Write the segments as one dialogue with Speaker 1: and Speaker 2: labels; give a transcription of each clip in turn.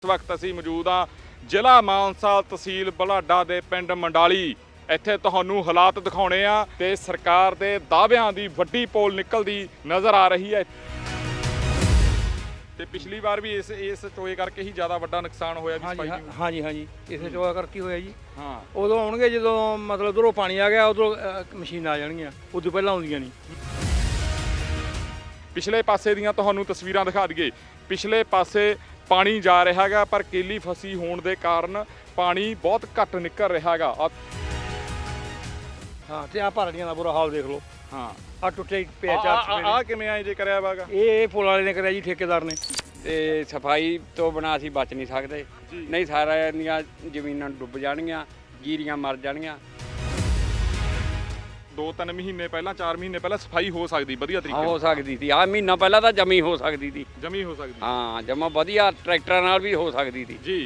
Speaker 1: इस वक्त असीं मौजूद हाँ ਜ਼ਿਲ੍ਹਾ ਮਾਨਸਾ ਤਹਿਸੀਲ ਬੁਢਲਾਡਾ ਦੇ ਪਿੰਡ ਮੰਡਾਲੀ। ਇੱਥੇ ਤੁਹਾਨੂੰ ਹਾਲਾਤ ਦਿਖਾਉਣੇ ਆ ਤੇ ਸਰਕਾਰ ਦੇ ਦਾਅਵਿਆਂ ਦੀ ਵੱਡੀ ਪੋਲ ਨਿਕਲਦੀ ਨਜ਼ਰ ਆ ਰਹੀ ਹੈ। ਤੇ ਪਿਛਲੀ ਵਾਰ ਵੀ ਇਸ ਚੋਏ ਕਰਕੇ ਹੀ ਜ਼ਿਆਦਾ ਵੱਡਾ ਨੁਕਸਾਨ ਹੋਇਆ ਵੀ ਸਫਾਈ ਦੀ।
Speaker 2: ਹਾਂਜੀ ਇਸੇ ਚੋਆ ਕਰਕੇ ਹੋਇਆ ਜੀ।
Speaker 1: ਹਾਂ
Speaker 2: ਉਦੋਂ ਆਉਣਗੇ ਜਦੋਂ ਮਤਲਬ ਉਧਰੋਂ ਪਾਣੀ ਆ ਗਿਆ, ਉਧਰੋਂ ਮਸ਼ੀਨਾਂ ਆ ਜਾਣਗੀਆਂ, ਉਦੋਂ ਪਹਿਲਾਂ ਆਉਂਦੀਆਂ ਨਹੀਂ।
Speaker 1: ਪਿਛਲੇ ਪਾਸੇ ਦੀਆਂ ਤੁਹਾਨੂੰ ਤਸਵੀਰਾਂ ਦਿਖਾ ਦਈਏ। ਪਿਛਲੇ ਪਾਸੇ ਪਾਣੀ ਜਾ ਰਿਹਾ ਹੈਗਾ ਪਰ ਕੇਲੀ ਫਸੀ ਹੋਣ ਦੇ ਕਾਰਨ ਪਾਣੀ ਬਹੁਤ ਘੱਟ ਨਿਕਲ ਰਿਹਾ ਹੈਗਾ।
Speaker 2: ਹਾਂ ਤੇ ਆ ਭਰੜੀਆਂ ਦਾ ਬੁਰਾ ਹਾਲ ਦੇਖ ਲਓ।
Speaker 1: ਹਾਂ
Speaker 2: ਆ ਟੁੱਟੇ ਪਿਆ ਚਾਰ
Speaker 1: ਆ ਕਿਵੇਂ ਆਏ ਜੇ ਕਰਿਆ ਵਾਗਾ?
Speaker 2: ਇਹ ਪੁਲ ਵਾਲੇ ਨੇ ਕਰਿਆ ਜੀ, ਠੇਕੇਦਾਰ ਨੇ।
Speaker 3: ਤੇ ਸਫਾਈ ਤੋਂ ਬਿਨਾਂ ਅਸੀਂ ਬਚ ਨਹੀਂ ਸਕਦੇ, ਨਹੀਂ ਸਾਰਿਆਂ ਦੀਆਂ ਜ਼ਮੀਨਾਂ ਡੁੱਬ ਜਾਣਗੀਆਂ, ਜੀਰੀਆਂ ਮਰ ਜਾਣਗੀਆਂ।
Speaker 1: 2-3 ਮਹੀਨੇ ਪਹਿਲਾਂ 4 ਮਹੀਨੇ ਪਹਿਲਾਂ ਸਫਾਈ ਹੋ ਸਕਦੀ ਵਧੀਆ ਤਰੀਕੇ
Speaker 3: ਹੋ ਸਕਦੀ ਸੀ। ਆਹ ਮਹੀਨਾ ਪਹਿਲਾਂ ਤਾਂ ਜਮੀ ਹੋ ਸਕਦੀ ਸੀ।
Speaker 1: ਜਮੀ ਹੋ ਸਕਦੀ
Speaker 3: ਹਾਂ, ਜਮਾ ਵਧੀਆ ਟਰੈਕਟਰਾਂ ਨਾਲ ਵੀ ਹੋ ਸਕਦੀ ਸੀ
Speaker 1: ਜੀ।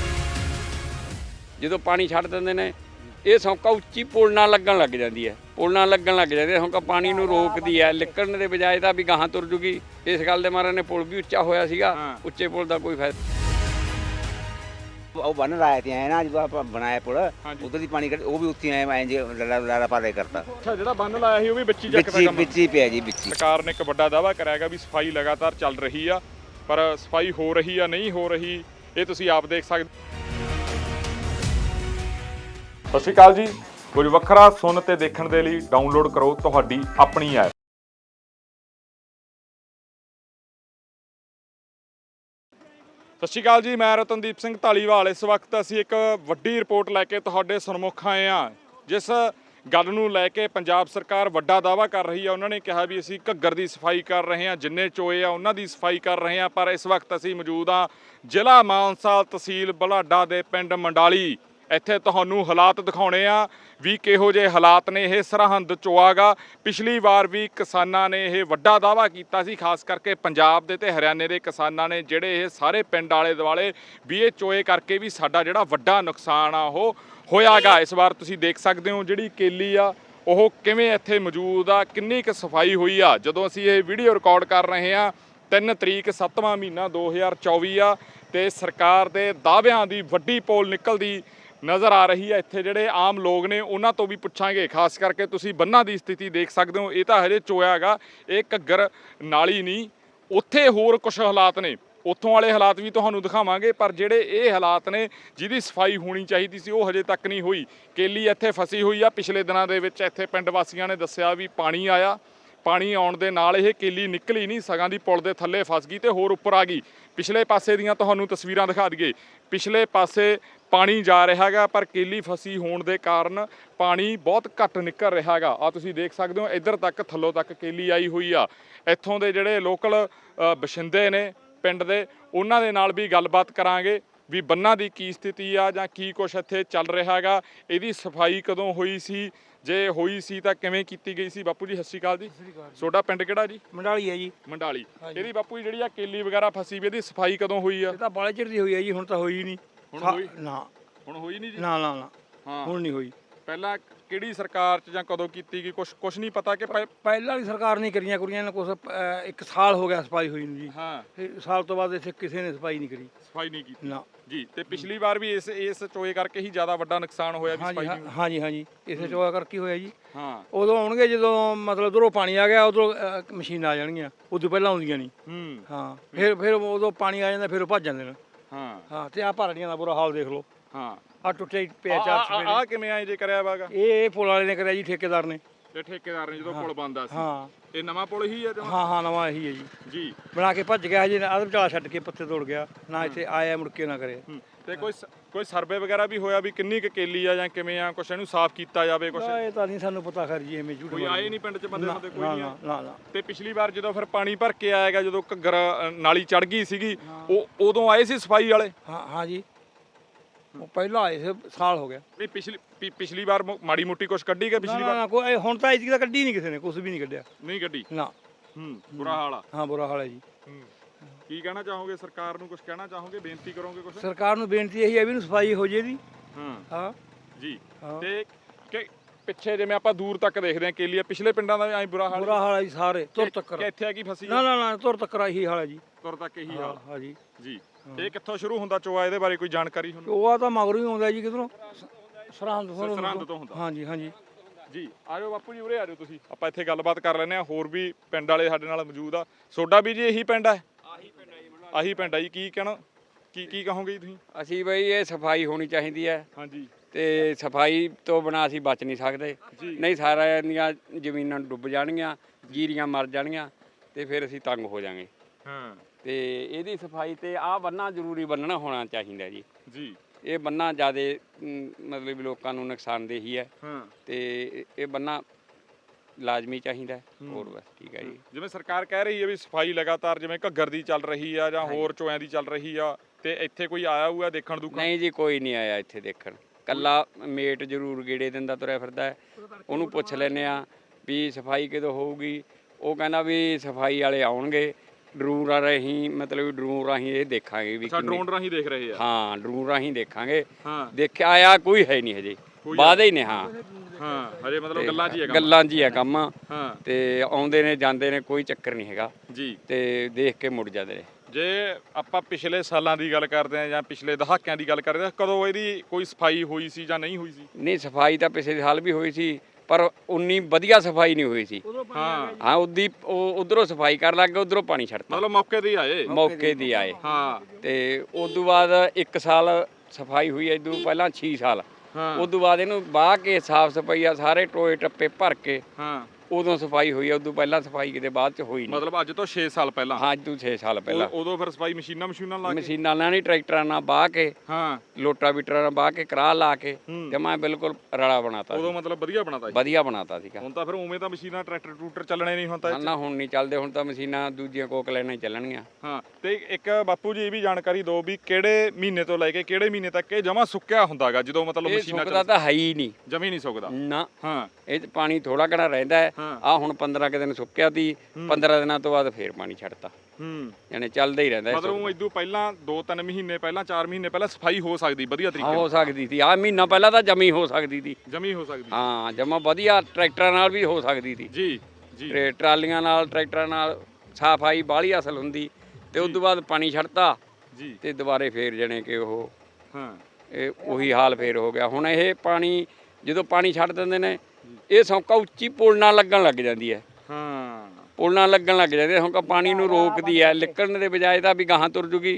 Speaker 3: ਜਦੋਂ ਪਾਣੀ ਛੱਡ ਦਿੰਦੇ ਨੇ ਇਹ ਸੌਂਕਾ ਉੱਚੀ ਪੁਲ ਨਾਲ ਲੱਗਣ ਲੱਗ ਜਾਂਦੀ ਹੈ। ਪੁਲ ਨਾਲ ਲੱਗਣ ਲੱਗ ਜਾਂਦੀ ਹੈ, ਸੌਂਕਾ ਪਾਣੀ ਨੂੰ ਰੋਕਦੀ ਹੈ। ਲਿਕਣ ਦੇ ਬਜਾਏ ਤਾਂ ਵੀ ਗਾਹਾਂ ਤੁਰ ਜੂਗੀ। ਇਸ ਗੱਲ ਦੇ ਮਾਰੇ ਨੇ ਪੁਲ ਵੀ ਉੱਚਾ ਹੋਇਆ ਸੀਗਾ। ਉੱਚੇ ਪੁਲ ਦਾ ਕੋਈ ਫਾਇਦਾ
Speaker 4: ਉਹ ਬਣ ਰਹਾ ਤੇ ਆਏ ਨਾ, ਜਦੋਂ ਆਪਾਂ ਬਣਾਇਆ ਪੁਲ ਉਧਰ ਦੀ ਪਾਣੀ ਉਹ ਵੀ ਉੱਥੇ ਆਏ ਐਂ ਜੇ ਲਾਰਾ ਪਾਰੇ ਕਰਤਾ।
Speaker 1: ਅੱਛਾ, ਜਿਹੜਾ ਬੰਨ ਲਾਇਆ ਸੀ ਉਹ ਵੀ ਵਿੱਚ ਹੀ
Speaker 4: ਵਿੱਚ ਹੀ ਪਿਆ ਜੀ, ਵਿੱਚ ਹੀ।
Speaker 1: ਸਰਕਾਰ ਨੇ ਇੱਕ ਵੱਡਾ ਦਾਅਵਾ ਕਰਿਆਗਾ ਵੀ ਸਫਾਈ ਲਗਾਤਾਰ ਚੱਲ ਰਹੀ ਆ, ਪਰ ਸਫਾਈ ਹੋ ਰਹੀ ਆ ਨਹੀਂ ਹੋ ਰਹੀ ਇਹ ਤੁਸੀਂ ਆਪ ਦੇਖ ਸਕਦੇ। ਸਤਿ ਸ਼੍ਰੀ ਅਕਾਲ ਜੀ। ਕੁਝ ਵੱਖਰਾ ਸੁਣ ਤੇ ਦੇਖਣ ਦੇ ਲਈ ਡਾਊਨਲੋਡ ਕਰੋ ਤੁਹਾਡੀ ਆਪਣੀ ਐਪ। ਸਤਿ ਸ਼੍ਰੀ ਅਕਾਲ ਜੀ, ਮੈਂ ਰਤਨਦੀਪ ਸਿੰਘ ਧਾਲੀਵਾਲ। ਇਸ ਵਕਤ ਅਸੀਂ ਇੱਕ ਵੱਡੀ ਰਿਪੋਰਟ ਲੈ ਕੇ ਤੁਹਾਡੇ ਸਨਮੁਖ ਆਏ ਹਾਂ, ਜਿਸ ਗੱਲ ਨੂੰ ਲੈ ਕੇ ਪੰਜਾਬ ਸਰਕਾਰ ਵੱਡਾ ਦਾਅਵਾ ਕਰ ਰਹੀ ਹੈ। ਉਹਨਾਂ ਨੇ ਕਿਹਾ ਵੀ ਅਸੀਂ ਘੱਗਰ ਦੀ ਸਫਾਈ ਕਰ ਰਹੇ ਹਾਂ, ਜਿੰਨੇ ਚੋਏ ਆ ਉਹਨਾਂ ਦੀ ਸਫਾਈ ਕਰ ਰਹੇ ਹਾਂ। ਪਰ ਇਸ ਵਕਤ ਅਸੀਂ ਮੌਜੂਦ ਹਾਂ ਜ਼ਿਲ੍ਹਾ ਮਾਨਸਾ ਤਹਿਸੀਲ ਬੁਢਲਾਡਾ ਦੇ ਪਿੰਡ ਮੰਡਾਲੀ। ਇੱਥੇ ਤੁਹਾਨੂੰ ਹਾਲਾਤ ਦਿਖਾਉਣੇ ਆ ਵੀ ਕਿਹੋ ਜਿਹੇ ਹਾਲਾਤ ਨੇ। ਇਹ ਸਰਹੰਦ ਚੋਆਗਾ। ਪਿਛਲੀ ਵਾਰ ਵੀ ਕਿਸਾਨਾਂ ਨੇ ਇਹ ਵੱਡਾ ਦਾਅਵਾ ਕੀਤਾ ਸੀ, ਖਾਸ ਕਰਕੇ ਪੰਜਾਬ ਦੇ ਤੇ ਹਰਿਆਣੇ ਦੇ ਕਿਸਾਨਾਂ ਨੇ, ਜਿਹੜੇ ਇਹ ਸਾਰੇ ਪਿੰਡ ਆਲੇ ਦੁਆਲੇ ਵੀ ਇਹ ਚੋਏ ਕਰਕੇ ਵੀ ਸਾਡਾ ਜਿਹੜਾ ਵੱਡਾ ਨੁਕਸਾਨ ਆ ਉਹ ਹੋਇਆਗਾ। ਇਸ ਵਾਰ ਤੁਸੀਂ ਦੇਖ ਸਕਦੇ ਹੋ ਜਿਹੜੀ ਕੇਲੀ ਆ ਉਹ ਕਿਵੇਂ ਇੱਥੇ ਮੌਜੂਦ ਆ, ਕਿੰਨੀ ਕੁ ਸਫਾਈ ਹੋਈ ਆ। ਜਦੋਂ ਅਸੀਂ ਇਹ ਵੀਡੀਓ ਰਿਕਾਰਡ ਕਰ ਰਹੇ ਹਾਂ 3 ਤਰੀਕ 7ਵਾਂ ਮਹੀਨਾ 2024 ਆ ਤੇ ਸਰਕਾਰ ਦੇ ਦਾਅਵਿਆਂ ਦੀ ਵੱਡੀ ਪੋਲ ਨਿਕਲਦੀ ਨਜ਼ਰ ਆ ਰਹੀ ਹੈ। ਇੱਥੇ ਜਿਹੜੇ ਆਮ ਲੋਕ ਨੇ ਉਹਨਾਂ ਤੋਂ ਵੀ ਪੁੱਛਾਂਗੇ। ਖਾਸ ਕਰਕੇ ਤੁਸੀਂ ਬੰਨਾਂ ਦੀ ਸਥਿਤੀ ਦੇਖ ਸਕਦੇ ਹੋ। ਇਹ ਤਾਂ ਹਜੇ ਚੋਇਆ ਹੈਗਾ, ਇਹ ਘੱਗਰ ਨਾਲੀ ਨਹੀਂ। ਉੱਥੇ ਹੋਰ ਕੁਝ ਹਾਲਾਤ ਨੇ, ਉੱਥੋਂ ਵਾਲੇ ਹਾਲਾਤ ਵੀ ਤੁਹਾਨੂੰ ਦਿਖਾਵਾਂਗੇ। ਪਰ ਜਿਹੜੇ ਇਹ ਹਾਲਾਤ ਨੇ ਜਿਹਦੀ ਸਫਾਈ ਹੋਣੀ ਚਾਹੀਦੀ ਸੀ ਉਹ ਹਜੇ ਤੱਕ ਨਹੀਂ ਹੋਈ। ਕੇਲੀ ਇੱਥੇ ਫਸੀ ਹੋਈ ਆ। ਪਿਛਲੇ ਦਿਨਾਂ ਦੇ ਵਿੱਚ ਇੱਥੇ ਪਿੰਡ ਵਾਸੀਆਂ ਨੇ ਦੱਸਿਆ ਵੀ ਪਾਣੀ ਆਇਆ, ਪਾਣੀ ਆਉਣ ਦੇ ਨਾਲ ਇਹ ਕੇਲੀ ਨਿਕਲੀ ਨਹੀਂ, ਸਗਾਂ ਦੀ ਪੁਲ ਦੇ ਥੱਲੇ ਫਸ ਗਈ ਤੇ ਹੋਰ ਉੱਪਰ ਆ ਗਈ। ਪਿਛਲੇ ਪਾਸੇ ਦੀਆਂ ਤੁਹਾਨੂੰ ਤਸਵੀਰਾਂ ਦਿਖਾ ਦਈਏ। ਪਿਛਲੇ ਪਾਸੇ ਪਾਣੀ ਜਾ ਰਿਹਾ ਹੈਗਾ ਪਰ ਕੇਲੀ ਫਸੀ ਹੋਣ ਦੇ ਕਾਰਨ ਪਾਣੀ ਬਹੁਤ ਘੱਟ ਨਿਕਲ ਰਿਹਾ ਹੈਗਾ। ਆ ਤੁਸੀਂ ਦੇਖ ਸਕਦੇ ਹੋ ਇੱਧਰ ਤੱਕ ਥੱਲੋਂ ਤੱਕ ਕੇਲੀ ਆਈ ਹੋਈ ਆ। ਇੱਥੋਂ ਦੇ ਜਿਹੜੇ ਲੋਕਲ ਬਸ਼ਿੰਦੇ ਨੇ ਪਿੰਡ ਦੇ, ਉਹਨਾਂ ਦੇ ਨਾਲ ਵੀ ਗੱਲਬਾਤ ਕਰਾਂਗੇ ਵੀ ਬੰਨਾਂ ਦੀ ਕੀ ਸਥਿਤੀ ਆ ਜਾਂ ਕੀ ਕੁਛ ਇੱਥੇ ਚੱਲ ਰਿਹਾ ਹੈਗਾ। ਇਹਦੀ ਸਫਾਈ ਕਦੋਂ ਹੋਈ ਸੀ, ਜੇ ਹੋਈ ਸੀ ਤਾਂ ਕਿਵੇਂ ਕੀਤੀ ਗਈ ਸੀ। ਬਾਪੂ ਜੀ ਸਤਿ ਸ਼੍ਰੀ ਅਕਾਲ ਜੀ। ਤੁਹਾਡਾ ਪਿੰਡ ਕਿਹੜਾ ਜੀ?
Speaker 2: ਮੰਡਾਲੀ ਹੈ ਜੀ।
Speaker 1: ਮੰਡਾਲੀ। ਇਹਦੀ ਬਾਪੂ ਜੀ ਜਿਹੜੀ ਆ ਕੇਲੀ ਵਗੈਰਾ ਫਸੀ ਵੀ ਇਹਦੀ ਸਫਾਈ ਕਦੋਂ ਹੋਈ ਆ?
Speaker 2: ਇਹ ਤਾਂ ਬਾਲੇ ਚਿਰ ਦੀ ਹੋਈ ਹੈ ਜੀ, ਹੁਣ ਤਾਂ ਹੋਈ ਨਹੀਂ।
Speaker 1: ਹੁਣ ਹੋਈ
Speaker 2: ਨਾ,
Speaker 1: ਹੁਣ ਹੋਈ ਨਹੀਂ ਜੀ?
Speaker 2: ਨਾ
Speaker 1: ਹਾਂ,
Speaker 2: ਹੁਣ ਨਹੀਂ ਹੋਈ।
Speaker 1: ਪਹਿਲਾਂ ਕਿਹੜੀ ਸਰਕਾਰ 'ਚ ਜਾਂ ਕਦੋਂ ਕੀਤੀ ਗਈ ਕੁਛ ਨਹੀਂ ਪਤਾ ਕਿ
Speaker 2: ਪਹਿਲਾਂ ਵਾਲੀ ਸਰਕਾਰ ਨਹੀਂ ਕਰੀਆਂ ਕੁੜੀਆਂ ਨੇ ਕੁਛ। 1 ਸਾਲ ਹੋ ਗਿਆ ਸਫਾਈ ਹੋਈ ਨੂੰ ਜੀ।
Speaker 1: ਹਾਂ,
Speaker 2: ਫਿਰ ਸਾਲ ਤੋਂ ਬਾਅਦ ਇੱਥੇ ਕਿਸੇ ਨੇ ਸਫਾਈ ਨਹੀਂ ਕਰੀ।
Speaker 1: ਸਫਾਈ ਨਹੀਂ ਕੀਤੀ
Speaker 2: ਨਾ
Speaker 1: ਜੀ। ਤੇ ਪਿਛਲੀ ਵਾਰ ਵੀ ਇਸ ਚੋਏ ਕਰਕੇ ਹੀ ਜ਼ਿਆਦਾ ਵੱਡਾ ਨੁਕਸਾਨ ਹੋਇਆ ਵੀ ਸਫਾਈ ਨਹੀਂ।
Speaker 2: ਹਾਂਜੀ ਇਸੇ ਚੋਆ ਕਰਕੇ ਹੋਇਆ ਜੀ।
Speaker 1: ਹਾਂ,
Speaker 2: ਉਦੋਂ ਆਉਣਗੇ ਜਦੋਂ ਮਤਲਬ ਉਧਰੋਂ ਪਾਣੀ ਆ ਗਿਆ, ਉਧਰੋਂ ਮਸ਼ੀਨਾਂ ਆ ਜਾਣਗੀਆਂ, ਉਦੋਂ ਪਹਿਲਾਂ ਆਉਂਦੀਆਂ ਨਹੀਂ। ਹਾਂ ਫਿਰ ਉਦੋਂ ਪਾਣੀ ਆ ਜਾਂਦਾ, ਫਿਰ ਉਹ ਭੱਜ ਜਾਂਦੇ ਨੇ। ਹਾਂ ਤੇ ਆ ਭਰੜੀਆਂ ਦਾ ਬੁਰਾ ਹਾਲ ਦੇਖ ਲਓ।
Speaker 1: ਹਾਂ
Speaker 2: ਆ ਟੁੱਟੇ ਪਿਆ ਚਾਰ
Speaker 1: ਆ ਕਿਵੇਂ ਆਏ ਜੇ ਕਰਿਆ ਵਾਗਾ?
Speaker 2: ਇਹ ਪੁਲ ਵਾਲੇ ਨੇ ਕਰਿਆ ਜੀ, ਠੇਕੇਦਾਰ ਨੇ।
Speaker 1: ਤੇ ਠੇਕੇਦਾਰ ਨੇ ਜਦੋਂ ਪੁਲ ਬੰਦਾ ਸੀ।
Speaker 2: ਹਾਂ
Speaker 1: ਇਹ ਨਵਾਂ ਪੁਲ ਹੀ ਹੈ?
Speaker 2: ਹਾਂ ਨਵਾਂ ਇਹੀ ਹੈ ਜੀ।
Speaker 1: ਜੀ
Speaker 2: ਬਣਾ ਕੇ ਭੱਜ ਗਿਆ ਹਜੇ, ਆਦਮ ਝਾਲਾ ਛੱਡ ਕੇ ਪੱਤੇ ਤੋੜ ਗਿਆ ਨਾ, ਇੱਥੇ ਆਇਆ ਮੁੜ ਕੇ ਨਾ ਕਰੇ।
Speaker 1: ਤੇ ਕੋਈ ਸਰਵੇ ਵਗੈਰਾ ਵੀ ਹੋਇਆ ਵੀ ਕਿੰਨੀ ਕੁ ਕੇਲੀ ਆ ਜਾਂ ਕਿਵੇਂ ਆ, ਕੁਛ ਇਹਨੂੰ ਸਾਫ਼ ਕੀਤਾ ਜਾਵੇ ਕੁਛ?
Speaker 2: ਇਹ ਤਾਂ ਨਹੀਂ ਸਾਨੂੰ ਪਤਾ ਖਰ ਜੀ, ਐਵੇਂ ਝੂਠ
Speaker 1: ਕੋਈ ਆਏ ਨਹੀਂ ਪਿੰਡ 'ਚ ਬੰਦੇ ਹੁੰਦੇ ਕੋਈ ਨਹੀਂ?
Speaker 2: ਨਾ।
Speaker 1: ਤੇ ਪਿਛਲੀ ਵਾਰ ਜਦੋਂ ਫਿਰ ਪਾਣੀ ਭਰ ਕੇ ਆਏਗਾ, ਜਦੋਂ ਘੱਗਰ ਨਾਲੀ ਚੜ ਗਈ ਸੀਗੀ, ਉਦੋਂ ਆਏ ਸੀ ਸਫਾਈ ਵਾਲੇ?
Speaker 2: ਹਾਂ ਜੀ, ਉਹ ਪਹਿਲਾਂ ਆਏ ਸੀ, ਸਾਲ ਹੋ ਗਿਆ।
Speaker 1: ਨਹੀਂ ਪਿਛਲੀ ਵਾਰ ਮਾੜੀ ਮੋਟੀ ਕੁਛ ਕੱਢੀ ਗਈ ਪਿਛਲੀ ਵਾਰ?
Speaker 2: ਨਾ ਕੋਈ ਹੁਣ ਤਾਂ ਇਤਕੀ ਤਾਂ ਕੱਢੀ ਨਹੀਂ ਕਿਸੇ ਨੇ, ਕੁਛ ਵੀ ਨਹੀਂ ਕੱਢਿਆ।
Speaker 1: ਨਹੀਂ ਕੱਢੀ ਨਾ? ਬੁਰਾ ਹਾਲ ਆ।
Speaker 2: ਹਾਂ ਬੁਰਾ ਹਾਲ ਹੈ ਜੀ।
Speaker 1: ਕੀ ਕਹਿਣਾ ਚਾਹੋਗੇ ਸਰਕਾਰ ਨੂੰ? ਕੁਝ ਕਹਿਣਾ ਚਾਹੋਗੇ, ਬੇਨਤੀ ਕਰੋਗੇ ਕੁਝ?
Speaker 2: ਸਰਕਾਰ ਨੂੰ ਬੇਨਤੀ ਇਹੀ ਹੈ ਵੀ ਇਹਨੂੰ ਸਫਾਈ ਹੋ ਜੇ ਦੀ। ਹਾਂ
Speaker 1: ਜੀ। ਤੇ ਪਿੱਛੇ ਜਿਵੇਂ ਆਪਾਂ ਦੂਰ ਤੱਕ ਦੇਖਦੇ ਹਾਂ ਕੇਲੀਆ, ਪਿਛਲੇ ਪਿੰਡਾਂ ਦਾ ਵੀ ਐਂ ਬੁਰਾ ਹਾਲ
Speaker 2: ਹੈ ਜੀ। ਸਾਰੇ ਤੁਰ ਤੱਕਰ
Speaker 1: ਇੱਥੇ ਆ ਕੀ ਫਸੀ?
Speaker 2: ਨਾ ਤੁਰ ਤੱਕਰ ਇਹੀ ਹਾਲ ਹੈ ਜੀ।
Speaker 1: ਤੁਰ ਤੱਕ ਇਹੀ ਹਾਲ
Speaker 2: ਹਾਂ ਜੀ
Speaker 1: ਜੀ। ਇਹ ਕਿੱਥੋਂ ਸ਼ੁਰੂ ਹੁੰਦਾ ਚੋਆ, ਇਹਦੇ ਬਾਰੇ ਕੋਈ ਜਾਣਕਾਰੀ ਤੁਹਾਨੂੰ?
Speaker 2: ਚੋਆ ਤਾਂ ਮਗਰੋਂ ਹੀ ਆਉਂਦਾ ਜੀ ਕਿਧਰੋਂ ਸਰਹੰਦ
Speaker 1: ਸਰਹੰਦ ਤੋਂ ਹੁੰਦਾ।
Speaker 2: ਹਾਂਜੀ ਹਾਂਜੀ
Speaker 1: ਜੀ ਆਜੋ ਬਾਪੂ ਜੀ, ਉਰੇ ਆਜੋ ਤੁਸੀਂ, ਆਪਾਂ ਇੱਥੇ ਗੱਲਬਾਤ ਕਰ ਲੈਂਦੇ ਆ। ਹੋਰ ਵੀ ਪਿੰਡ ਵਾਲੇ ਸਾਡੇ ਨਾਲ ਮੌਜੂਦ ਆ। ਸੋਡਾ ਵੀ ਜੀ ਇਹੀ ਪਿੰਡ ਹੈ? ਆਹੀ ਪਿੰਡ ਆ ਜੀ। ਕੀ ਕਹਿਣਾ, ਕੀ ਕਹੋਗੇ ਜੀ ਤੁਸੀਂ?
Speaker 3: ਅਸੀਂ ਬਈ ਇਹ ਸਫਾਈ ਹੋਣੀ ਚਾਹੀਦੀ ਹੈ
Speaker 1: ਹਾਂਜੀ
Speaker 3: ਤੇ ਸਫਾਈ ਤੋਂ ਬਿਨਾਂ ਅਸੀਂ ਬਚ ਨਹੀਂ ਸਕਦੇ। ਨਹੀਂ ਸਾਰਿਆਂ ਦੀਆਂ ਜ਼ਮੀਨਾਂ ਡੁੱਬ ਜਾਣਗੀਆਂ, ਜੀਰੀਆਂ ਮਰ ਜਾਣਗੀਆਂ ਤੇ ਫਿਰ ਅਸੀਂ ਤੰਗ ਹੋ ਜਾਵਾਂਗੇ।
Speaker 1: ਹਾਂ
Speaker 3: ਤੇ ਇਹਦੀ ਸਫਾਈ ਤੇ ਆਹ ਬੰਨਾ ਜ਼ਰੂਰੀ ਬੰਨਣਾ ਹੋਣਾ ਚਾਹੀਦਾ ਜੀ।
Speaker 1: ਜੀ
Speaker 3: ਇਹ ਬੰਨਾ ਜ਼ਿਆਦੇ ਮਤਲਬ ਲੋਕਾਂ ਨੂੰ ਨੁਕਸਾਨਦੇਹੀ ਹੈ
Speaker 1: ਹਾਂ
Speaker 3: ਤੇ ਇਹ ਬੰਨਾ ਲਾਜ਼ਮੀ ਚਾਹੀਦਾ। ਹੋਰ ਬਸ ਠੀਕ ਹੈ ਜੀ।
Speaker 1: ਜਿਵੇਂ ਸਰਕਾਰ ਕਹਿ ਰਹੀ ਹੈ ਵੀ ਸਫਾਈ ਲਗਾਤਾਰ ਜਿਵੇਂ ਘੱਗਰ ਦੀ ਚੱਲ ਰਹੀ ਆ ਜਾਂ ਹੋਰ ਚੋਇਆਂ ਦੀ ਚੱਲ ਰਹੀ ਆ, ਤੇ ਇੱਥੇ ਕੋਈ ਆਇਆ ਹੋਇਆ ਦੇਖਣ ਦੁੱਖਣ?
Speaker 3: ਨਹੀਂ ਜੀ, ਕੋਈ ਨਹੀਂ ਆਇਆ ਇੱਥੇ ਦੇਖਣ। ਕੱਲਾ ਮੇਟ ਜ਼ਰੂਰ ਗੇੜੇ ਦਿੰਦਾ ਤੁਰਿਆ ਫਿਰਦਾ ਹੈ। ਉਹਨੂੰ ਪੁੱਛ ਲੈਂਦੇ ਆ ਵੀ ਸਫਾਈ ਕਦੋਂ ਹੋਊਗੀ, ਉਹ ਕਹਿੰਦਾ ਵੀ ਸਫਾਈ ਵਾਲੇ ਆਉਣਗੇ ਡਰੋਨ ਰਾਹੀਂ, ਮਤਲਬ ਡਰੋਨ ਰਾਹੀਂ ਇਹ ਦੇਖਾਂਗੇ ਵੀ
Speaker 1: ਅੱਛਾ, ਡਰੋਨ ਰਾਹੀਂ ਦੇਖ ਰਹੇ ਆ?
Speaker 3: ਹਾਂ ਡਰੋਨ ਰਾਹੀਂ ਦੇਖਾਂਗੇ।
Speaker 1: ਹਾਂ
Speaker 3: ਦੇਖਿਆ ਆਇਆ ਕੋਈ ਹੈ ਨਹੀਂ ਹਜੇ, ਵਾਅਦੇ ਹੀ ਨੇ। ਹਾਂ
Speaker 1: ਹਜੇ ਮਤਲਬ ਗੱਲਾਂ 'ਚ ਹੀ ਹੈ ਕੰਮ?
Speaker 3: ਗੱਲਾਂ 'ਚ ਹੀ ਹੈ ਕੰਮ।
Speaker 1: ਹਾਂ
Speaker 3: ਤੇ ਆਉਂਦੇ ਨੇ ਜਾਂਦੇ ਨੇ, ਕੋਈ ਚੱਕਰ ਨਹੀਂ ਹੈਗਾ
Speaker 1: ਜੀ।
Speaker 3: ਤੇ ਦੇਖ ਕੇ ਮੁੜ ਜਾਂਦੇ ਨੇ।
Speaker 1: ਜੇ ਆਪਾਂ ਪਿਛਲੇ ਸਾਲਾਂ ਦੀ ਗੱਲ ਕਰਦੇ ਆ ਜਾਂ ਪਿਛਲੇ ਦਹਾਕਿਆਂ ਦੀ ਗੱਲ ਕਰਦੇ ਆ, ਕਦੋਂ ਇਹਦੀ ਕੋਈ ਸਫਾਈ ਹੋਈ ਸੀ ਜਾਂ ਨਹੀਂ ਹੋਈ ਸੀ?
Speaker 3: ਨਹੀਂ ਸਫਾਈ ਤਾਂ ਪਿਛਲੇ ਸਾਲ ਵੀ ਹੋਈ ਸੀ, ਪਰ ਉਨੀ ਵਧੀਆ ਸਫਾਈ ਨਹੀਂ ਹੋਈ ਸੀ।
Speaker 1: ਹਾਂ
Speaker 3: ਹਾਂ ਉਦੀ ਉਧਰੋਂ ਸਫਾਈ ਕਰਨ ਲੱਗ ਗਏ, ਉਧਰੋਂ ਪਾਣੀ ਛੱਡਤਾ।
Speaker 1: ਮਤਲਬ ਮੌਕੇ ਤੇ ਹੀ ਆਏ?
Speaker 3: ਮੌਕੇ ਦੀ ਆਏ।
Speaker 1: ਹਾਂ
Speaker 3: ਤੇ ਉਦੋਂ ਬਾਅਦ 1 ਸਾਲ ਸਫਾਈ ਹੋਈ, ਇਦੋਂ ਪਹਿਲਾਂ 6 ਸਾਲ।
Speaker 1: ਹਾਂ
Speaker 3: ਉਦੋਂ ਬਾਅਦ ਇਹਨੂੰ ਵਾਹ ਕੇ ਸਾਫ ਸਫਾਈਆ ਸਾਰੇ ਟੋਏ ਟੱਪੇ ਭਰ ਕੇ
Speaker 1: ਹਾਂ
Speaker 3: ਉਦੋਂ ਸਫਾਈ ਹੋਈ ਆ। ਉਦੋਂ ਪਹਿਲਾਂ ਸਫਾਈ ਕਿਤੇ ਬਾਅਦ ਚ ਹੋਈ ਨਹੀਂ।
Speaker 1: ਮਤਲਬ ਅੱਜ ਤੋਂ 6 ਸਾਲ ਪਹਿਲਾਂ?
Speaker 3: ਹਾਂ ਅੱਜ ਤੋਂ 6 ਸਾਲ ਪਹਿਲਾਂ।
Speaker 1: ਉਦੋਂ ਫਿਰ ਸਫਾਈ ਮਸ਼ੀਨਾਂ ਲਾ ਕੇ?
Speaker 3: ਮਸ਼ੀਨਾਂ ਨਾਲ ਨਹੀਂ, ਟਰੈਕਟਰਾਂ ਨਾਲ ਵਾਹ ਕੇ,
Speaker 1: ਹਾਂ
Speaker 3: ਲੋਟਾ ਵੀਟਰਾਂ ਨਾਲ ਵਾਹ ਕੇ, ਕਰਾਹ ਲਾ ਕੇ ਜਮਾ ਬਿਲਕੁਲ ਰਲਾ ਬਣਾਤਾ।
Speaker 1: ਉਦੋਂ ਮਤਲਬ ਵਧੀਆ ਬਣਾਤਾ ਸੀ?
Speaker 3: ਵਧੀਆ ਬਣਾਤਾ ਸੀਗਾ।
Speaker 1: ਹੁਣ ਤਾਂ ਫਿਰ ਉਵੇਂ ਤਾਂ ਮਸ਼ੀਨਾਂ ਟਰੈਕਟਰ ਟਰੂਟਰ ਚੱਲਣੇ ਨਹੀਂ ਹੁਣ ਤਾਂ?
Speaker 3: ਨਾ ਹੁਣ ਨਹੀਂ ਚੱਲਦੇ, ਹੁਣ ਤਾਂ ਮਸ਼ੀਨਾਂ ਦੂਜੀਆਂ ਕੋਕ ਲੈਣਾ ਹੀ ਚੱਲਣਗੀਆਂ।
Speaker 1: ਹਾਂ ਤੇ ਇੱਕ ਬਾਪੂ ਜੀ ਇਹ ਵੀ ਜਾਣਕਾਰੀ ਦਿਓ ਵੀ ਕਿਹੜੇ ਮਹੀਨੇ ਤੋਂ ਲੈ ਕੇ ਕਿਹੜੇ ਮਹੀਨੇ ਤੱਕ ਇਹ ਜਮਾ ਸੁੱਕਿਆ ਹੁੰਦਾਗਾ ਜਦੋਂ ਮਤਲਬ
Speaker 3: ਇਹ
Speaker 1: ਮਸ਼ੀਨਾਂ
Speaker 3: ਸੁੱਕਦਾ ਤਾਂ ਹੈ ਹੀ ਨਹੀਂ,
Speaker 1: ਜਮੀ ਨਹੀਂ ਸੁੱਕਦਾ?
Speaker 3: ਨਾ
Speaker 1: ਹਾਂ
Speaker 3: ਇਹ 'ਚ ਪਾਣੀ ਥੋੜਾ ਘਣਾ ਰਹਿੰਦਾ ਹੈ। ਆ ਹੁਣ 15 ਕੁ ਦਿਨ ਸੁੱਕਿਆ ਤੀ, 15 ਦਿਨਾਂ ਤੋਂ ਬਾਅਦ ਫੇਰ ਪਾਣੀ ਛੱਡਤਾ। ਯਾਨੀ ਚੱਲਦਾ ਹੀ ਰਹਿੰਦਾ।
Speaker 1: ਮਤਲਬ ਉਹ ਇਦੋਂ ਪਹਿਲਾਂ 2-3 ਮਹੀਨੇ ਪਹਿਲਾਂ 4 ਮਹੀਨੇ ਪਹਿਲਾਂ ਸਫਾਈ ਹੋ ਸਕਦੀ ਵਧੀਆ ਤਰੀਕੇ
Speaker 3: ਹੋ ਸਕਦੀ ਸੀ। ਆ ਮਹੀਨਾ ਪਹਿਲਾਂ ਤਾਂ ਜਮੀ ਹੋ ਸਕਦੀ ਸੀ।
Speaker 1: ਜਮੀ ਹੋ ਸਕਦੀ?
Speaker 3: ਹਾਂ ਜਮਾ ਵਧੀਆ ਟਰੈਕਟਰਾਂ ਨਾਲ ਵੀ ਹੋ ਸਕਦੀ ਸੀ
Speaker 1: ਜੀ ਜੀ।
Speaker 3: ਤੇ ਟਰਾਲੀਆਂ ਨਾਲ, ਟਰੈਕਟਰਾਂ ਨਾਲ ਸਫਾਈ ਬਾਹਲੀ ਅਸਲ ਹੁੰਦੀ। ਤੇ ਉਸ ਤੋਂ ਬਾਅਦ ਪਾਣੀ ਛੱਡਤਾ
Speaker 1: ਜੀ
Speaker 3: ਤੇ ਦੁਬਾਰੇ ਫੇਰ ਜਣੇ ਕਿ ਉਹ
Speaker 1: ਹਾਂ
Speaker 3: ਇਹ ਉਹੀ ਹਾਲ ਫੇਰ ਹੋ ਗਿਆ। ਹੁਣ ਇਹ ਪਾਣੀ ਜਦੋਂ ਪਾਣੀ ਛੱਡ ਦਿੰਦੇ ਨੇ, ਇਹ ਸੌਂਕਾ ਉੱਚੀ ਪੁਲ ਨਾਲ ਲੱਗਣ ਲੱਗ ਜਾਂਦੀ ਹੈ।
Speaker 1: ਹਾਂ
Speaker 3: ਪੁਲ ਨਾਲ ਲੱਗਣ ਲੱਗ ਜਾਂਦੀ ਹੈ। ਸੌਂਕਾ ਪਾਣੀ ਨੂੰ ਰੋਕਦੀ ਹੈ, ਲਿਕਣ ਦੇ ਬਜਾਏ ਤਾਂ ਵੀ ਗਾਹਾਂ ਤੁਰ ਜੂਗੀ।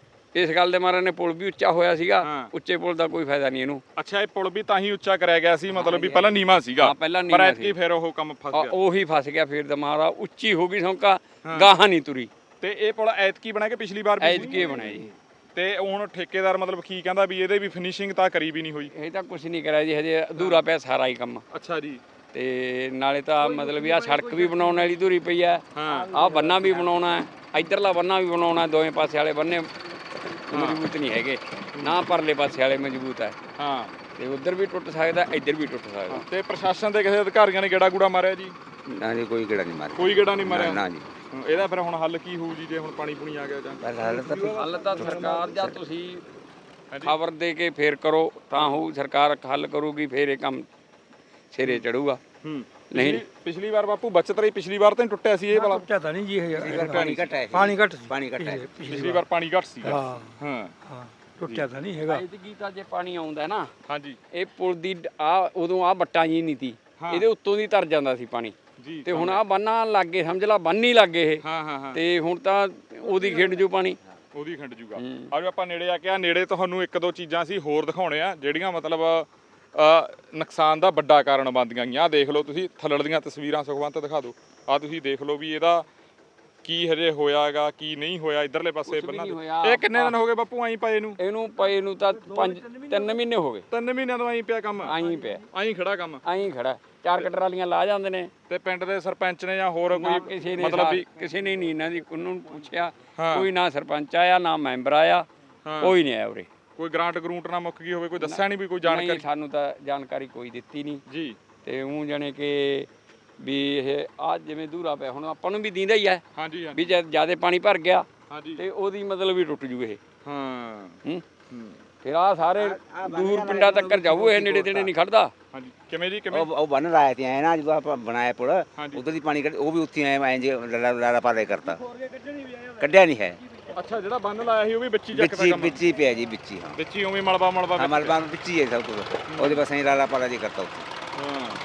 Speaker 3: ਇਸ ਗੱਲ ਦੇ ਮਾਰੇ ਨੇ ਪੁਲ ਵੀ ਉੱਚਾ ਹੋਇਆ ਸੀਗਾ। ਉੱਚੇ ਪੁਲ ਦਾ ਕੋਈ ਫਾਇਦਾ ਨਹੀਂ ਇਹਨੂੰ।
Speaker 1: ਅੱਛਾ ਇਹ ਪੁਲ ਵੀ ਤਾਂ ਹੀ ਉੱਚਾ ਕਰਿਆ ਗਿਆ ਸੀ ਮਤਲਬ ਵੀ ਪਹਿਲਾਂ ਨੀਵਾਂ ਸੀਗਾ?
Speaker 3: ਹਾਂ ਪਹਿਲਾਂ
Speaker 1: ਪਰ
Speaker 3: ਨੀਵਾਂ
Speaker 1: ਐਤਕੀ
Speaker 3: ਸੀ।
Speaker 1: ਫਿਰ ਉਹ ਕੰਮ ਫਸ ਗਿਆ?
Speaker 3: ਉਹੀ ਫਸ ਗਿਆ ਫਿਰ ਦਮਾਰਾ, ਉੱਚੀ ਹੋ ਗਈ ਸੌਂਕਾ, ਗਾਹਾਂ ਨਹੀਂ ਤੁਰੀ।
Speaker 1: ਤੇ ਇਹ ਪੁਲ ਐਤਕੀ ਬਣਿਆ ਕਿ ਪਿਛਲੀ ਵਾਰ?
Speaker 3: ਐਤਕੀ ਬਣਿਆ ਜੀ।
Speaker 1: ਤੇ ਹੁਣ ਠੇਕੇਦਾਰ ਮਤਲਬ ਕੀ ਕਹਿੰਦਾ ਵੀ ਇਹਦੇ ਵੀ ਫਿਨਿਸ਼ਿੰਗ ਤਾਂ ਕਰੀ ਵੀ ਨਹੀਂ ਹੋਈ?
Speaker 3: ਇਹ ਤਾਂ ਕੁਝ ਨਹੀਂ ਕਰਿਆ ਜੀ, ਹਜੇ ਅਧੂਰਾ ਪਿਆ ਸਾਰਾ ਹੀ ਕੰਮ।
Speaker 1: ਅੱਛਾ ਜੀ।
Speaker 3: ਤੇ ਨਾਲੇ ਤਾਂ ਮਤਲਬ ਵੀ ਆ ਸੜਕ ਵੀ ਬਣਾਉਣ ਵਾਲੀ ਅਧੂਰੀ ਪਈ ਹੈ। ਆਹ ਬੰਨਾ ਵੀ ਬਣਾਉਣਾ ਹੈ, ਇੱਧਰਲਾ ਬੰਨਾ ਵੀ ਬਣਾਉਣਾ। ਦੋਵੇਂ ਪਾਸੇ ਵਾਲੇ ਬੰਨੇ ਮਜ਼ਬੂਤ ਨਹੀਂ ਹੈਗੇ, ਨਾ ਪਰਲੇ ਪਾਸੇ ਵਾਲੇ ਮਜ਼ਬੂਤ ਹੈ।
Speaker 1: ਹਾਂ
Speaker 3: ਤੇ ਉਧਰ ਵੀ ਟੁੱਟ ਸਕਦਾ, ਇੱਧਰ ਵੀ ਟੁੱਟ ਸਕਦਾ।
Speaker 1: ਤੇ ਪ੍ਰਸ਼ਾਸਨ ਦੇ ਕਿਸੇ ਅਧਿਕਾਰੀਆਂ ਨੇ ਗੇੜਾ ਗੂੜਾ ਮਾਰਿਆ ਜੀ?
Speaker 4: ਨਾ ਜੀ ਕੋਈ ਗੇੜਾ ਨਹੀਂ ਮਾਰਿਆ।
Speaker 1: ਕੋਈ ਗੇੜਾ ਨਹੀਂ ਮਾਰਿਆ?
Speaker 4: ਨਾ ਜੀ।
Speaker 1: ਇਹਦਾ ਫਿਰ ਹੁਣ ਹੱਲ ਕੀ ਹੋਊ ਜੀ ਜੇ ਹੁਣ ਪਾਣੀ ਪੂਣੀ ਆ ਗਿਆ ਜਾਂ?
Speaker 3: ਹੱਲ ਤਾਂ ਸਰਕਾਰ ਜਾਂ ਤੁਸੀਂ ਖਬਰ ਦੇ ਕੇ ਫੇਰ ਕਰੋ ਤਾਂ ਹੋਊ। ਸਰਕਾਰ ਹੱਲ ਕਰੂਗੀ ਫੇਰ ਇਹ ਕੰਮ ਸਿਰੇ ਚੜੂਗਾ। ਨਹੀਂ
Speaker 1: ਪਿਛਲੀ ਵਾਰ ਬਾਪੂ ਬਚਤ ਰਹੀ, ਪਿਛਲੀ ਵਾਰ ਤਾਂ ਨਹੀਂ ਟੁੱਟਿਆ ਸੀ ਇਹ ਵਾਲਾ?
Speaker 2: ਟੁੱਟਿਆ ਤਾਂ ਨਹੀਂ ਜੀ ਇਹ,
Speaker 4: ਪਾਣੀ ਘਟਾ ਹੈ।
Speaker 2: ਪਾਣੀ ਘੱਟ ਸੀ।
Speaker 4: ਪਾਣੀ ਘਟਾ ਹੈ।
Speaker 1: ਪਿਛਲੀ ਵਾਰ ਪਾਣੀ ਘੱਟ ਸੀ?
Speaker 2: ਹਾਂ
Speaker 1: ਹਾਂ
Speaker 2: ਹਾਂ ਟੁੱਟਿਆ ਤਾਂ ਨਹੀਂ ਹੈਗਾ।
Speaker 3: ਐਤਕੀ ਤਾਂ ਜੇ ਪਾਣੀ ਆਉਂਦਾ ਨਾ,
Speaker 1: ਹਾਂਜੀ
Speaker 3: ਇਹ ਪੁਲ ਦੀ ਉਦੋਂ ਆ ਬੱਟਾਂ ਜੀ ਨਹੀਂ ਤੀ, ਇਹਦੇ ਉੱਤੋਂ ਦੀ ਤਰ ਜਾਂਦਾ ਸੀ ਪਾਣੀ
Speaker 1: ਜੀ।
Speaker 3: ਤੇ ਹੁਣ ਆ ਬੰਨਾਂ ਲੱਗੇ, ਸਮਝ ਲਾ ਬੰਨ ਹੀ ਲੱਗੇ ਇਹ।
Speaker 1: ਹਾਂ ਹਾਂ ਹਾਂ।
Speaker 3: ਤੇ ਹੁਣ ਤਾਂ ਉਹਦੀ ਖਿੰਡ ਜੂ ਪਾਣੀ,
Speaker 1: ਉਹਦੀ ਖਿੰਡ ਜੂਗਾ। ਆਜੋ ਆਪਾਂ ਨੇੜੇ ਆ ਕੇ ਆ ਨੇੜੇ ਤੁਹਾਨੂੰ ਇੱਕ ਦੋ ਚੀਜ਼ਾਂ ਸੀ ਹੋਰ ਦਿਖਾਉਣੇ ਆ ਜਿਹੜੀਆਂ ਮਤਲਬ ਨੁਕਸਾਨ ਦਾ ਵੱਡਾ ਕਾਰਨ ਬਣਦੀਆਂ ਗਈਆਂ। ਦੇਖ ਲਓ ਤੁਸੀਂ ਥੱਲੜ ਦੀਆਂ ਤਸਵੀਰਾਂ, ਸੁਖਵੰਤ ਦਿਖਾ ਦਿਓ। ਆ ਤੁਸੀਂ ਦੇਖ ਲਓ ਵੀ ਇਹਦਾ ਕੀ ਹਜੇ ਹੋਇਆਗਾ ਕੀ ਨਹੀਂ ਹੋਇਆ ਇਧਰਲੇ ਪਾਸੇ ਬੰਨਾਂ ਦੇ। ਇਹ ਕਿੰਨੇ ਦਿਨ ਹੋ ਗਏ ਬਾਪੂ ਆਈ ਪਏ ਨੂੰ?
Speaker 3: ਇਹਨੂੰ ਪਏ ਨੂੰ ਤਾਂ 3 ਮਹੀਨੇ ਹੋ ਗਏ।
Speaker 1: 3 ਮਹੀਨਿਆਂ ਤੋਂ ਆਈ ਪਿਆ ਕੰਮ?
Speaker 3: ਆਈ ਪਿਆ,
Speaker 1: ਆਈ ਖੜਾ ਕੰਮ?
Speaker 3: ਆਈ ਖੜਾ। 4 ਕਟਰਾਲੀਆਂ ਲਾ ਜਾਂਦੇ ਨੇ।
Speaker 1: ਤੇ ਪਿੰਡ ਦੇ ਸਰਪੰਚ ਨੇ ਜਾਂ ਹੋਰ ਕੋਈ
Speaker 3: ਕਿਸੇ ਨੇ
Speaker 1: ਮਤਲਬ ਵੀ
Speaker 3: ਕਿਸੇ ਨੇ ਨਹੀਂ ਇਹਨਾਂ ਦੀ ਉਹਨੂੰ ਪੁੱਛਿਆ, ਕੋਈ ਨਾ ਸਰਪੰਚ ਆਇਆ ਨਾ ਮੈਂਬਰ ਆਇਆ, ਕੋਈ ਨਹੀਂ ਆਇਆ ਉਰੇ।
Speaker 1: ਕੋਈ ਗ੍ਰਾਂਟ ਗਰੂੰਟ ਨਾ ਮੁੱਕ ਗਈ ਹੋਵੇ, ਕੋਈ ਦੱਸਿਆ ਨਹੀਂ ਵੀ ਕੋਈ ਜਾਣਕਾਰੀ?
Speaker 3: ਸਾਨੂੰ ਤਾਂ ਜਾਣਕਾਰੀ ਕੋਈ ਦਿੱਤੀ ਨਹੀਂ
Speaker 1: ਜੀ।
Speaker 3: ਤੇ ਉਹ ਜਾਣੇ ਕਿ ਵੀ ਇਹ ਆ ਜਿਵੇਂ ਦੂਰਾ ਪਿਆ ਹੁਣ ਆਪਾਂ ਨੂੰ ਵੀ ਦੀਂਦਾ ਹੀ ਹੈ।
Speaker 1: ਹਾਂਜੀ
Speaker 3: ਵੀ ਜਦ ਜਿਆਦਾ ਪਾਣੀ ਭਰ ਗਿਆ
Speaker 1: ਹਾਂਜੀ
Speaker 3: ਤੇ ਉਹਦੀ ਮਤਲਬ ਵੀ ਟੁੱਟ ਜੂ ਇਹ।
Speaker 1: ਹਾਂ
Speaker 3: ਫਿਰ ਆ ਸਾਰੇ ਦੂਰ ਪਿੰਡਾਂ ਤੱਕ ਜਾਊ ਇਹ, ਨੇੜੇ ਤੇੜੇ ਨਹੀਂ ਖੜਦਾ।
Speaker 1: ਹਾਂਜੀ ਕਿਵੇਂ ਜੀ ਕਿਵੇਂ?
Speaker 4: ਉਹ ਬਣ ਰਹਾ ਤੇ ਆਏ ਨਾ ਜਦੋਂ ਆਪਾਂ ਬਣਾਇਆ ਪੁਲ, ਉਧਰ ਦੀ ਪਾਣੀ ਉਹ ਵੀ ਉੱਥੇ ਆਏ ਜੇ ਲਾਰਾ ਪਾਰੇ ਕਰਤਾ। ਕੱਢਿਆ ਨਹੀਂ ਹੈ।
Speaker 1: ਅੱਛਾ ਜਿਹੜਾ ਬੰਨ ਲਾਇਆ ਸੀ ਉਹ ਵੀ ਵਿੱਚ ਹੀ
Speaker 4: ਵਿੱਚ
Speaker 1: ਚੱਕਦਾ
Speaker 4: ਹੀ
Speaker 1: ਕੰਮ
Speaker 4: ਵਿੱਚ ਹੀ ਪਿਆ ਜੀ, ਵਿੱਚ ਹੀ। ਹਾਂ
Speaker 1: ਵਿੱਚ ਹੀ ਉਵੇਂ ਮਲਬਾ
Speaker 4: ਹਾਂ, ਮਲਬਾ ਵਿੱਚ ਹੀ ਹੈ ਸਭ ਕੁਝ। ਉਹਦੇ ਬਸ ਅਸੀਂ ਲਾਲਾ ਪਾਲਾ ਜੀ ਕਰਤਾ ਉੱਥੇ।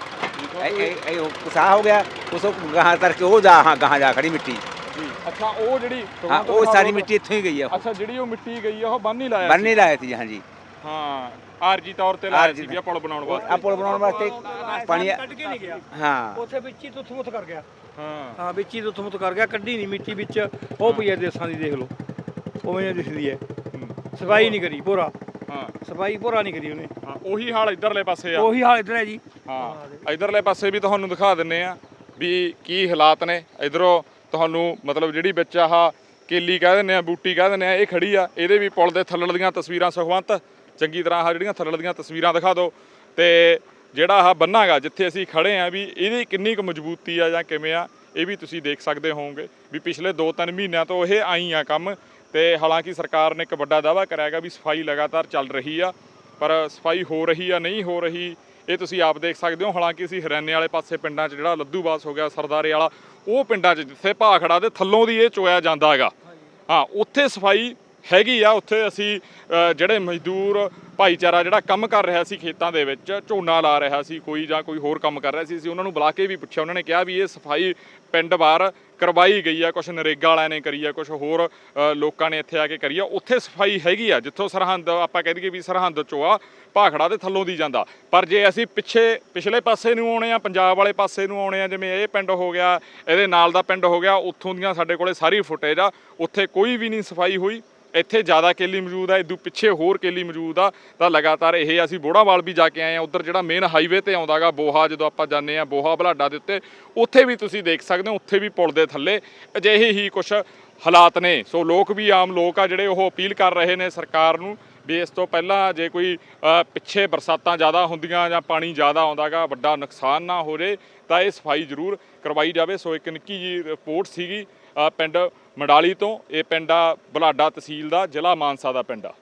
Speaker 1: ਹਾਂ
Speaker 4: ਇਹ ਕੁਸਾ ਹੋ ਗਿਆ, ਉਸ ਗਾਹਾਂ ਕਰਕੇ ਉਹ ਜਾ, ਹਾਂ ਗਾਹਾਂ ਜਾ ਖੜੀ ਮਿੱਟੀ।
Speaker 1: ਜੀ ਅੱਛਾ ਉਹ ਜਿਹੜੀ
Speaker 4: ਹਾਂ ਉਹ ਸਾਰੀ ਮਿੱਟੀ ਇੱਥੋਂ ਹੀ ਗਈ ਆ।
Speaker 1: ਅੱਛਾ ਜਿਹੜੀ ਉਹ ਮਿੱਟੀ ਗਈ ਆ ਉਹ ਬੰਨ ਹੀ ਲਾਇਆ
Speaker 4: ਬੰਨ ਹੀ ਲਾਇਆ ਸੀ। ਹਾਂਜੀ
Speaker 1: ਹਾਂ ਆਰਜੀ ਤੌਰ ਤੇ ਲਾਇਆ ਸੀ ਪੁਲ ਬਣਾਉਣ ਵਾਸਤੇ।
Speaker 4: ਆ ਪੁਲ ਬਣਾਉਣ ਵਾਸਤੇ ਪਾਣੀ
Speaker 2: ਕੱਢ ਕੇ ਨਹੀਂ ਗਿਆ,
Speaker 4: ਹਾਂ
Speaker 2: ਉੱਥੇ ਵਿੱਚ ਹੀ ਤੁੱਥ-ਮੁੱਥ ਕਰ ਗਿਆ।
Speaker 1: ਹਾਂ
Speaker 2: ਹਾਂ ਵਿੱਚ ਹੀ ਤੁੱਥ-ਮੁੱਥ ਕਰ ਗਿਆ, ਕੱਢੀ ਨਹੀਂ ਮਿੱਟੀ ਵਿੱਚ। ਉਹ ਪਈ ਹੈ ਦੇਸਾਂ ਦੀ, ਦੇਖ ਲਓ ਉਵੇਂ ਦਿਸਦੀ ਹੈ। ਸਫਾਈ ਨਹੀਂ ਕਰੀ ਭੋਰਾ,
Speaker 1: ਹਾਂ
Speaker 2: ਸਫਾਈ ਭੋਰਾ ਨਹੀਂ ਕਰੀ ਉਹਨੇ।
Speaker 1: ਹਾਂ ਉਹੀ ਹਾਲ ਇਧਰਲੇ ਪਾਸੇ ਆ।
Speaker 2: ਉਹੀ ਹਾਲ ਇੱਧਰ ਹੈ ਜੀ।
Speaker 1: ਹਾਂ ਇਧਰਲੇ ਪਾਸੇ ਵੀ ਤੁਹਾਨੂੰ ਦਿਖਾ ਦਿੰਨੇ ਆ ਵੀ ਕੀ ਹਾਲਾਤ ਨੇ। ਇਧਰੋਂ ਤੁਹਾਨੂੰ ਮਤਲਬ ਜਿਹੜੀ ਵਿੱਚ ਆਹ ਕੇਲੀ ਕਹਿ ਦਿੰਦੇ ਆ, ਬੂਟੀ ਕਹਿ ਦਿੰਦੇ ਆ, ਇਹ ਖੜੀ ਆ। ਇਹਦੇ ਵੀ ਪੁਲ ਦੇ ਥੱਲੜ ਦੀਆਂ ਤਸਵੀਰਾਂ ਸੁਖਵੰਤ ਚੰਗੀ ਤਰ੍ਹਾਂ ਆਹ ਜਿਹੜੀਆਂ ਥੱਲੜ ਦੀਆਂ ਤਸਵੀਰਾਂ ਦਿਖਾ ਦਿਓ। ਤੇ ਜਿਹੜਾ ਆਹ ਬੰਨਾ ਗਾ ਜਿੱਥੇ ਅਸੀਂ ਖੜੇ ਆ ਵੀ ਇਹਦੀ ਕਿੰਨੀ ਕੁ ਮਜ਼ਬੂਤੀ ਆ ਜਾਂ ਕਿਵੇਂ ਆ, ਇਹ ਵੀ ਤੁਸੀਂ ਦੇਖ ਸਕਦੇ ਹੋਵੋਗੇ ਵੀ ਪਿਛਲੇ 2-3 ਮਹੀਨਿਆਂ ਤੋਂ ਇਹ ਆਈ ਆ ਕੰਮ। ਤੇ ਹਾਲਾਂਕਿ ਸਰਕਾਰ ਨੇ ਇੱਕ ਵੱਡਾ ਦਾਅਵਾ ਕਰਿਆ ਹੈਗਾ ਵੀ ਸਫਾਈ ਲਗਾਤਾਰ ਚੱਲ ਰਹੀ ਆ, ਪਰ ਸਫਾਈ ਹੋ ਰਹੀ ਆ ਨਹੀਂ ਹੋ ਰਹੀ ਇਹ ਤੁਸੀਂ ਆਪ ਦੇਖ ਸਕਦੇ ਹੋ। ਹਾਲਾਂਕਿ ਅਸੀਂ ਹਰਿਆਣੇ ਵਾਲੇ ਪਾਸੇ ਪਿੰਡਾਂ 'ਚ ਜਿਹੜਾ ਲੱਧੂਬਾਸ ਹੋ ਗਿਆ, ਸਰਦਾਰੇ ਵਾਲਾ, ਉਹ ਪਿੰਡਾਂ 'ਚ ਜਿੱਥੇ ਭਾਖੜਾ ਦੇ ਥੱਲੋਂ ਦੀ ਇਹ ਚੋਇਆ ਜਾਂਦਾ ਹੈਗਾ, ਹਾਂ ਉੱਥੇ ਸਫਾਈ ਹੈਗੀ ਆ। ਉੱਥੇ ਅਸੀਂ ਜਿਹੜੇ ਮਜ਼ਦੂਰ ਭਾਈਚਾਰਾ ਜਿਹੜਾ ਕੰਮ ਕਰ ਰਿਹਾ ਸੀ ਖੇਤਾਂ ਦੇ ਵਿੱਚ, ਝੋਨਾ ਲਾ ਰਿਹਾ ਸੀ ਕੋਈ ਜਾਂ ਕੋਈ ਹੋਰ ਕੰਮ ਕਰ ਰਿਹਾ ਸੀ, ਅਸੀਂ ਉਹਨਾਂ ਨੂੰ ਬੁਲਾ ਕੇ ਵੀ ਪੁੱਛਿਆ। ਉਹਨਾਂ ਨੇ ਕਿਹਾ ਵੀ ਇਹ ਸਫਾਈ ਪਿੰਡ ਬਾਹਰ ਕਰਵਾਈ ਗਈ ਆ, ਕੁਛ ਨਰੇਗਾ ਵਾਲਿਆਂ ਨੇ ਕਰੀ ਆ, ਕੁਛ ਹੋਰ ਲੋਕਾਂ ਨੇ ਇੱਥੇ ਆ ਕੇ ਕਰੀ ਆ। ਉੱਥੇ ਸਫਾਈ ਹੈਗੀ ਆ ਜਿੱਥੋਂ ਸਰਹੰਦ ਆਪਾਂ ਕਹਿ ਦਈਏ ਵੀ ਸਰਹੰਦ ਚੋਆ ਭਾਖੜਾ ਦੇ ਥੱਲੋਂ ਦੀ ਜਾਂਦਾ। ਪਰ ਜੇ ਅਸੀਂ ਪਿਛਲੇ ਪਾਸੇ ਨੂੰ ਆਉਣੇ ਆ, ਪੰਜਾਬ ਵਾਲੇ ਪਾਸੇ ਨੂੰ ਆਉਣੇ ਆ, ਜਿਵੇਂ ਇਹ ਪਿੰਡ ਹੋ ਗਿਆ, ਇਹਦੇ ਨਾਲ ਦਾ ਪਿੰਡ ਹੋ ਗਿਆ, ਉੱਥੋਂ ਦੀਆਂ ਸਾਡੇ ਕੋਲੇ ਸਾਰੀ ਫੁਟੇਜ ਆ। ਉੱਥੇ ਕੋਈ ਵੀ ਨਹੀਂ ਸਫਾਈ ਹੋਈ। ਇੱਥੇ ਜ਼ਿਆਦਾ ਕੇਲੀ ਮੌਜੂਦ ਆ, ਇਦੋਂ ਪਿੱਛੇ ਹੋਰ ਕੇਲੀ ਮੌਜੂਦ ਆ। ਤਾਂ ਲਗਾਤਾਰ ਇਹ ਅਸੀਂ ਬੋੜਾਵਾਲ ਵੀ ਜਾ ਕੇ ਆਏ ਆ। ਉੱਧਰ ਜਿਹੜਾ ਮੇਨ ਹਾਈਵੇ ਤੇ ਆਉਂਦਾ ਗਾ ਬੋਹਾ, ਜਦੋਂ ਆਪਾਂ ਜਾਂਦੇ ਆ ਬੋਹਾ ਬਲਾਡਾ ਦੇ ਉੱਤੇ, ਉੱਥੇ ਵੀ ਤੁਸੀਂ ਦੇਖ ਸਕਦੇ ਹੋ, ਉੱਥੇ ਵੀ ਪੁਲ ਦੇ ਥੱਲੇ ਅਜਿਹੇ ਹੀ ਕੁਛ ਹਾਲਾਤ ਨੇ। ਸੋ ਲੋਕ ਵੀ, ਆਮ ਲੋਕ ਆ ਜਿਹੜੇ, ਉਹ ਅਪੀਲ ਕਰ ਰਹੇ ਨੇ ਸਰਕਾਰ ਨੂੰ ਵੀ ਇਸ ਤੋਂ ਪਹਿਲਾਂ ਜੇ ਕੋਈ ਪਿੱਛੇ ਬਰਸਾਤਾਂ ਜ਼ਿਆਦਾ ਹੁੰਦੀਆਂ ਜਾਂ ਪਾਣੀ ਜ਼ਿਆਦਾ ਆਉਂਦਾ ਗਾ, ਵੱਡਾ ਨੁਕਸਾਨ ਨਾ ਹੋ ਜੇ, ਤਾਂ ਇਹ ਸਫਾਈ ਜ਼ਰੂਰ ਕਰਵਾਈ ਜਾਵੇ। ਸੋ ਇੱਕ ਨਿੱਕੀ ਜੀ ਰਿਪੋਰਟ ਸੀਗੀ ਪਿੰਡ ਮੰਡਾਲੀ ਤੋਂ। ਇਹ ਪਿੰਡ ਆ ਬਲਾਡਾ ਤਹਿਸੀਲ ਦਾ, ਜ਼ਿਲ੍ਹਾ ਮਾਨਸਾ ਦਾ ਪਿੰਡ ਆ।